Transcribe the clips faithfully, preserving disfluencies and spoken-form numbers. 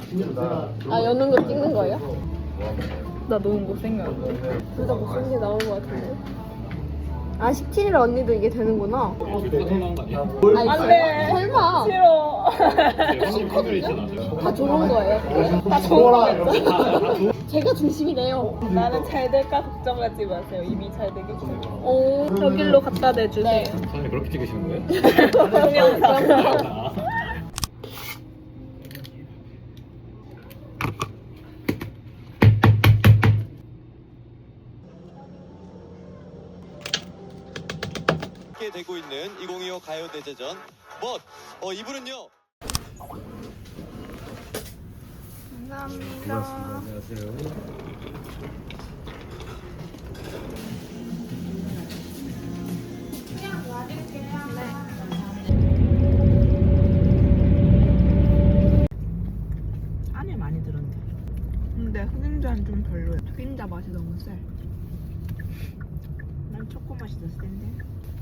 아 여는 거 찍는 거예요? 나 너무 못생겨. 둘 다 못생긴 게 나올 것 같은데. 아 십칠 일 언니도 이게 되는구나. 아니, 안 돼. 설마 싫어. 다 좋은 거예요? 다 좋은 거예요? 제가 중심이네요. 나는 잘 될까 걱정하지 마세요. 이미 잘 되겠죠. 오 여기로 갖다 대주세요. 네. 사장님 그렇게 찍으시는 거예요? 동영상. 함께 되고 있는 이천이십오 가요대제전 멋! 어, 이분은요. 감사합니다. 안녕하세요. 안에 많이 들었네. 근데 흑임자는 좀 별로야. 흑임자 맛이 너무 세. 난 초코 맛이 더 센데.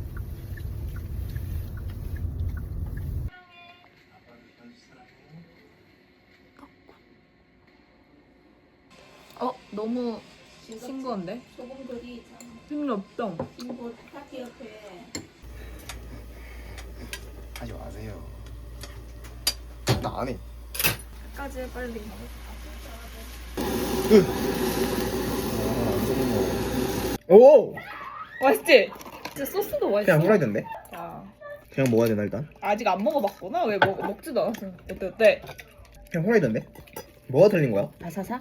어 너무 싱거운데? 소금들이 힘이 없어. 인고 파티 옆에 하지 마세요. 나 안 해. 까지 빨리. 오! 맛있지? 진짜 소스도 맛있어. 그냥 후라이드인데? 아, 그냥 먹어야 되나 일단? 아직 안 먹어봤구나. 왜 먹, 먹지도 않았어. 어때 어때? 그냥 후라이드인데? 뭐가 틀린 거야? 바사사?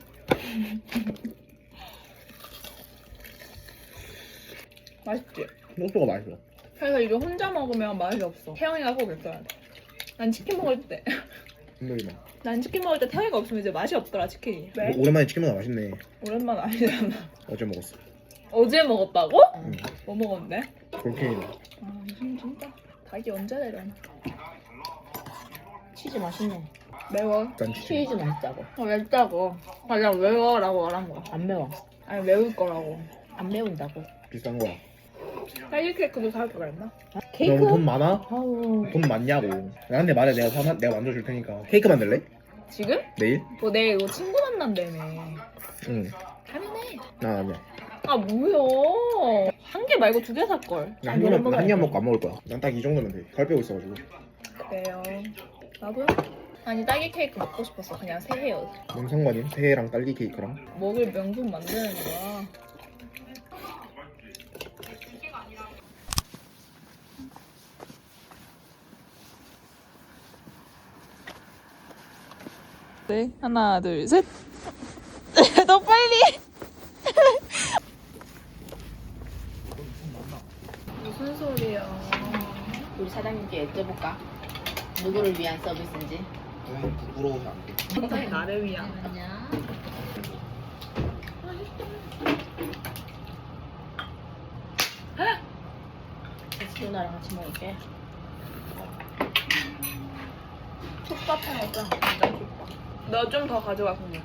맛있지? 소스가 맛있어. 그래서 이거 혼자 먹으면 맛이 없어. 태영이가 꼭 있어야 돼. 난 치킨 먹을 때, 힘들기만. 난 치킨 먹을 때 태영이가 없으면 이제 맛이 없더라 치킨이. 왜? 오- 오랜만에 치킨 먹어 맛있네. 오랜만 아니잖아. 어제 먹었어. 어제 먹었다고? 응. 뭐 먹었는데? 볼케이노. 아 무슨 진짜 닭이 언제 내려나? 치즈 맛있네. 매워. 일단 치즈. 치즈 맛있다고. 아 맵다고. 아 그냥 매워라고 말한 거야. 안 매워. 아니 매울 거라고. 안 매운다고. 비싼 거야. 딸기 케이크도 사올 걸 그랬나? 케이크? 너무 돈 많아? 아우. 돈 많냐고. 나한테 말해 내가 사 내가 만들어 줄 테니까. 케이크 만들래? 지금? 내일? 뭐 내일 이거 친구 만난다며. 응. 하면 해. 나 아니야. 아 뭐야? 한 개 말고 두 개 살 걸. 나 한 입만 한 입만 먹고 안 먹을 거야. 난 딱 이 정도면 돼. 살 빼고 있어가지고. 그래요. 나도요? 아니 딸기 케이크 먹고 싶었어. 그냥 새해요. 뭔 상관이? 새해랑 딸기 케이크랑. 먹을 명분 만드는 거야. 네, 하나, 둘, 셋. 너 빨리. 무슨 소리야? 우리 사장님께 여쭤볼까? 누구를 위한 서비스인지. 너무 부끄러워서 안 돼. 굉장히 나를 위한. 아니야. 누나랑 같이 먹을게. 촉밥 해 먹자. 완전 촉밥. 너 좀 더 가져가 그냥.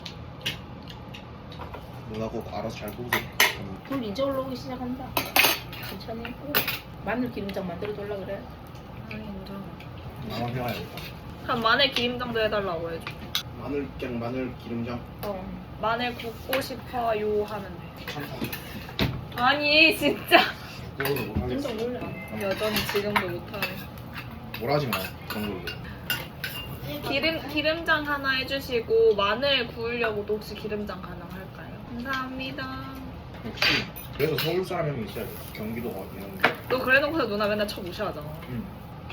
누나 꼭 알아서 잘 보고. 불 이제 올라오기 시작한다. 천천히. 마늘 기름장 만들어 줄라 그래. 아니 인정. 나만 해와야겠다. 한 마늘 기름장도 해달라고 해줘. 마늘 그냥 마늘 기름장. 어. 마늘 굽고 싶어요 하면 돼. 참다. 아니 진짜. 그거를 못 하겠어. 진짜 몰라. 여전히 지금도 못하네. 뭐라지 마. 그런 걸로. 기름 기름장 하나 해주시고 마늘 구우려고도 혹시 기름장 가능할까요? 감사합니다. 혹시 그래서 서울 사람 형이 있어야 돼. 경기도가 이런 데. 너 그래놓고서 누나 맨날 쳐 무시하잖아. 응.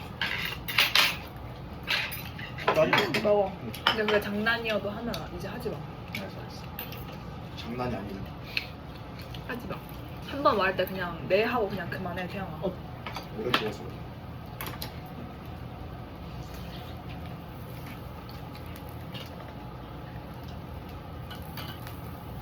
따지고. 먹어. 근데 그게 장난이어도 하면 이제 하지 마. 알았어 알았어. 장난이 아니네. 하지 마. 한 번 말할 때 그냥 네 하고 그냥 그만해 태영아. 오래 두어서.